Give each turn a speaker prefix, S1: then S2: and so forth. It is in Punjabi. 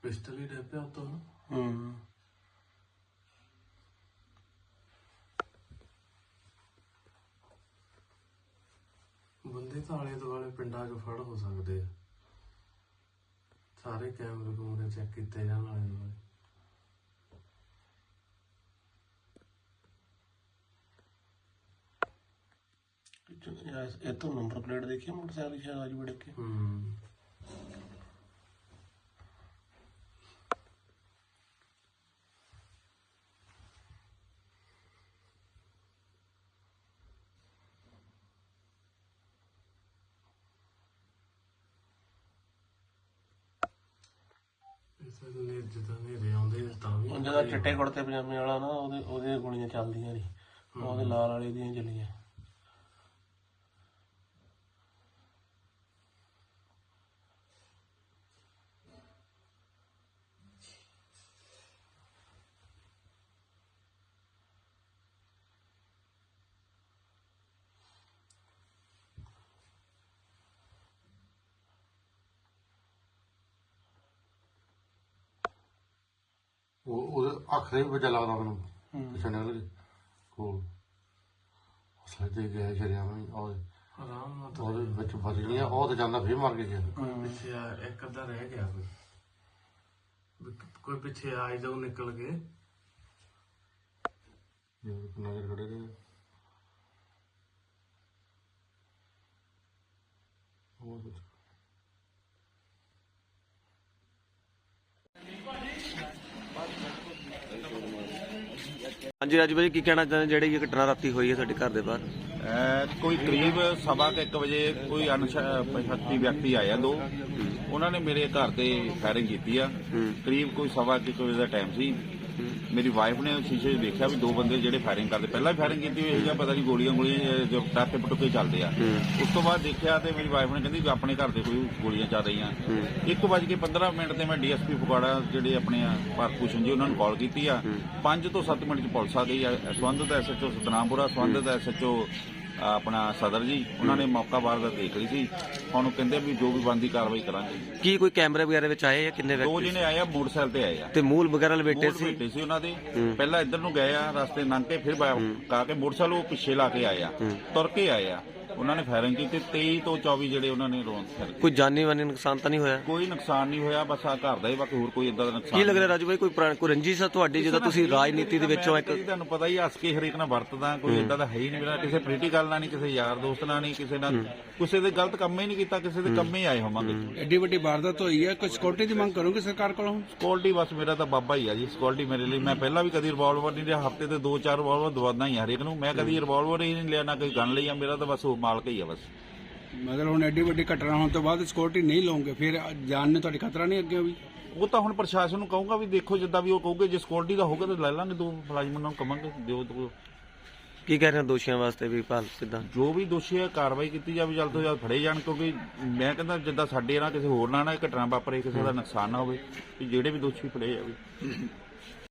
S1: पिस्टल ही डे पे तो ਬੰਦੇ ਤਾਂ ਆਲੇ ਦੁਆਲੇ ਪਿੰਡਾਂ 'ਚ ਫੜ ਹੋ ਸਕਦੇ ਆ। ਸਾਰੇ ਕੈਮਰੇ ਕੂਮਰੇ ਚੈੱਕ ਕੀਤੇ ਜਾਣ ਆਲੇ ਦੁਆਲੇ।
S2: ਇਹ ਤਾਂ ਨੰਬਰ ਪਲੇਟ ਦੇਖੀ ਮੋਟਰਸਾਈਕਲ ਸ਼ਾਇਦ ਅੱਜ ਬੜੇ ਕੇ
S1: ਜਿੱਦਾਂ ਨੇਰੇ ਆਉਂਦੇ ਤਾਂ ਵੀ
S2: ਜਿਹੜਾ ਚਿੱਟੇ ਕੁੜਤੇ ਪਜਾਮੇ ਵਾਲਾ ਨਾ ਉਹਦੀਆਂ ਗੋਲੀਆਂ ਚੱਲਦੀਆਂ ਨਹੀਂ, ਉਹਦੇ ਲਾਲ ਵਾਲੇ ਦੀਆਂ ਚੱਲੀਆਂ।
S3: ਉਹਦੇ ਅੱਖ ਦੇ ਵੀ ਬੱਚਾ ਲੱਗਦਾ ਮੈਨੂੰ ਪਿੱਛੇ ਨਿਕਲ ਕੇ ਕੋਲ ਸੱਜੇ ਗਿਆ ਸ਼ਰਿਆਮ
S1: ਆਰਾਮ ਨਾਲ
S3: ਉਹਦੇ ਵਿੱਚ ਫਸ ਗਈਆਂ। ਉਹ ਤਾਂ ਜਾਂਦਾ ਫੇਰ ਮਰ ਗਿਆ।
S1: ਪਿੱਛੇ ਆ ਇੱਕ ਅੱਧਾ ਰਹਿ ਗਿਆ ਕੋਈ ਪਿੱਛੇ ਆ ਜਾਊ ਨਿਕਲ ਕੇ
S3: ਨਜ਼ਰ ਖੜੇ ਰਹੇ
S4: ਹਾਂਜੀ ਰਾਜੂ ਭਾਜੀ, ਕੀ ਕਹਿਣਾ ਚਾਹੁੰਦੇ ਜਿਹੜੀ ਇਹ ਘਟਨਾ ਰਾਤੀ ਹੋਈ ਹੈ ਸਾਡੇ ਘਰ ਦੇ ਬਾਹਰ?
S5: ਕੋਈ ਕਰੀਬ 1:15 ਵਜੇ ਕੋਈ ਅਣਪਛਾਤੇ ਵਿਅਕਤੀ ਆਇਆ ਦੋ, ਉਹਨਾਂ ਨੇ ਮੇਰੇ ਘਰ ਤੇ ਫਾਇਰਿੰਗ ਕੀਤੀ ਆ। ਕਰੀਬ ਕੋਈ 1:15 ਵਜੇ ਦਾ ਟਾਈਮ ਸੀ। ਮੇਰੀ ਵਾਈਫ ਨੇ ਸ਼ੀਸ਼ੇ 'ਚ ਦੇਖਿਆ ਵੀ ਦੋ ਬੰਦੇ ਜਿਹੜੇ ਫਾਇਰਿੰਗ ਕਰਦੇ, ਪਹਿਲਾਂ ਵੀ ਫਾਇਰਿੰਗ ਕੀਤੀ ਹੋਈ ਹੈ, ਪਤਾ ਨਹੀਂ ਗੋਲੀਆਂ ਜੋ ਟਾਕੇ ਪਟੂਕੇ ਚੱਲਦੇ ਆ। ਉਸ ਤੋਂ ਬਾਅਦ ਦੇਖਿਆ ਤੇ ਮੇਰੀ ਵਾਈਫ ਨੇ ਕਹਿੰਦੀ ਵੀ ਆਪਣੇ ਘਰ ਦੇ ਕੋਈ ਗੋਲੀਆਂ ਚੱਲ ਰਹੀਆਂ। 1:15 ਤੇ ਮੈਂ ਡੀਐਸਪੀ ਫਗਵਾੜਾ ਜਿਹੜੇ ਆਪਣੇ ਭਾਰਤ ਭੂਸ਼ਣ ਜੀ ਉਹਨਾਂ ਨੂੰ ਕਾਲ ਕੀਤੀ ਆ। 5 ਤੋਂ 7 ਮਿੰਟ 'ਚ ਪੁਲਿਸ ਆ ਗਈ ਆ। ਸੰਬੰਧਿਤ ਐਸਐਚਓ ਸਤਨਾਮਪੁਰਾ, ਸੰਬੰਧਿਤ ਐਸਐਚਓ ਆਪਣਾ ਸਦਰ ਜੀ, ਉਹਨਾਂ ਨੇ ਮੌਕਾ ਵਾਰਦਾਤ ਦੇਖ ਲਈ ਸੀ। ਹੁਣ ਕਹਿੰਦੇ ਵੀ ਜੋ ਵੀ ਬਣਦੀ ਕਾਰਵਾਈ ਕਰਾਂਗੇ।
S4: ਕੀ ਕੋਈ ਕੈਮਰੇ ਵਗੈਰਾ ਵਿੱਚ ਆਏ ਜਾਂ ਕਿੰਨੇ
S5: ਦੋ
S4: ਵਿਅਕਤੀ
S5: ਜਿਹਨੇ ਆਏ ਆ ਮੋਟਰਸਾਈਕਲ ਤੇ ਆਏ ਆ
S4: ਤੇ ਮੂਲ ਵਗੈਰਾ ਲਪੇਟੇ ਸੀ?
S5: ਬੈਠੇ ਸੀ ਉਹਨਾਂ ਦੇ। ਪਹਿਲਾਂ ਇੱਧਰ ਨੂੰ ਗਏ ਆ, ਰਸਤੇ ਲੰਘ ਕੇ ਫਿਰ ਕਾ ਕੇ ਮੋਟਰਸਾਈਕਲ ਉਹ ਪਿੱਛੇ ਲਾ ਕੇ ਆਏ ਆ, ਤੁਰ ਕੇ ਆਏ ਆ। ਉਹਨਾਂ ਨੇ ਫਾਇਰਿੰਗ ਕੀਤੀ। 23 ਤੋਂ 24 ਜਿਹੜੇ ਉਹਨਾਂ ਨੇ ਰੌਂਦ ਫਾਇਰ
S4: ਕੋਈ ਜਾਨੀ ਵਾਨੀ ਨੁਕਸਾਨ ਤਾਂ ਨਹੀਂ ਹੋਇਆ?
S5: ਕੋਈ ਨੁਕਸਾਨ ਨਹੀਂ ਹੋਇਆ, ਬਸ ਆ ਘਰ ਦਾ ਹੀ, ਬਾਕੀ ਹੋਰ ਕੋਈ ਇਦਾਂ ਦਾ ਨੁਕਸਾਨ
S4: ਕੀ ਲੱਗ ਰਿਹਾ ਰਾਜੂ ਭਾਈ, ਕੋਈ ਰੰਜਿਸ਼ ਆ ਤੁਹਾਡੀ ਜਦੋਂ ਤੁਸੀਂ ਰਾਜਨੀਤੀ ਦੇ ਵਿੱਚੋਂ ਇੱਕ?
S5: ਤੁਹਾਨੂੰ ਪਤਾ ਹੀ ਹੱਸ ਕੇ ਹਰੇਕ ਨਾਲ ਵਰਤਦਾ, ਕੋਈ ਇਦਾਂ ਦਾ ਹੈ ਹੀ ਨਹੀਂ ਮੇਰਾ। ਕਿਸੇ ਪੋਲੀਟੀਕਲ ਨਾਲ ਨਹੀਂ, ਕਿਸੇ ਯਾਰ ਦੋਸਤ ਨਾਲ ਨਹੀਂ, ਕਿਸੇ ਨਾਲ ਕਿਸੇ ਦੇ ਗਲਤ ਕੰਮ ਹੀ ਨਹੀਂ ਕੀਤਾ, ਕਿਸੇ ਦੇ ਕੰਮ ਹੀ ਆਏ ਹੋਵਾਂਗੇ।
S6: ਐਡੀ ਵੱਡੀ ਵਾਰਦਾਤ ਹੋਈ ਹੈ, ਕੋਈ ਸਿਕਿਉਰਿਟੀ ਦੀ ਮੰਗ ਕਰੋਗੇ ਸਰਕਾਰ ਕੋਲੋਂ?
S5: ਸਿਕਿਉਰਿਟੀ ਬਸ ਮੇਰਾ ਤਾਂ ਬਾਬਾ ਹੀ ਆ ਜੀ, ਸਿਕਿਉਰਿਟੀ ਮੇਰੇ ਲਈ। ਮੈਂ ਪਹਿਲਾਂ ਵੀ ਕਦੀ ਰਿਵਾਲਵਰ ਨਹੀਂ ਲਿਆ, ਹਫ਼ਤੇ ਤੇ 2-4 ਰਿਵਾਲਵਰ ਦਵਾਦਾ ਹੀ ਹਰੇਕ ਨੂੰ। ਮੈਂ ਕਦੀ ਰਿਵਾਲਵਰ ਹੀ ਨਹੀਂ ਲਿਆ, ਨਾ ਕੋਈ ਗਨ ਲਈ ਆ। ਮੇਰਾ ਤਾਂ ਬਸ ਉਹ ਮਾਲਕ ਹੀ ਆ ਬਸ।
S6: ਮਗਰ ਹੁਣ ਐਡੀ ਵੱਡੀ ਘਟਨਾ ਹੋਣ ਤੋਂ ਬਾਅਦ ਸਿਕਿਉਰਿਟੀ ਨਹੀਂ ਲਓਗੇ, ਫਿਰ ਜਾਨ ਨੂੰ ਤੁਹਾਡੀ ਖਤਰਾ ਨਹੀਂ ਅੱਗੇ ਵੀ?
S5: ਉਹ ਤਾਂ ਹੁਣ ਪ੍ਰਸ਼ਾਸਨ ਨੂੰ ਕਹੂੰਗਾ ਵੀ ਦੇਖੋ, ਜਿੱਦਾਂ ਵੀ ਉਹ ਕਹੂਗੇ। ਜੇ ਸਿਕਿਉਰਿਟੀ ਦਾ ਹੋਊਗਾ ਤਾਂ ਲੈ ਲਾਂਗੇ, ਦੋ ਮੁਲਾਜ਼ਮਾਂ ਨੂੰ ਕਵਾਂਗੇ ਦਿਓ।
S4: ਕੀ ਕਹਿ ਰਹੇ ਹੋ ਦੋਸ਼ੀਆਂ ਵਾਸਤੇ ਵੀ ਭਾਲ ਕਿੱਦਾਂ?
S5: ਜੋ ਵੀ ਦੋਸ਼ੀ ਹੈ ਕਾਰਵਾਈ ਕੀਤੀ ਜਾਵੇ, ਜਲਦ ਤੋਂ ਜਲਦ ਫੜੇ ਜਾਣ। ਕਿਉਂਕਿ ਮੈਂ ਕਹਿੰਦਾ ਜਿੱਦਾਂ ਸਾਡੇ ਨਾਲ ਕਿਸੇ ਹੋਰ ਨਾਲ ਨਾ ਘਟਨਾ ਵਾਪਰੇ, ਕਿਸੇ ਦਾ ਨੁਕਸਾਨ ਨਾ ਹੋਵੇ, ਜਿਹੜੇ ਵੀ ਦੋਸ਼ੀ ਫੜੇ ਜਾਵੇ।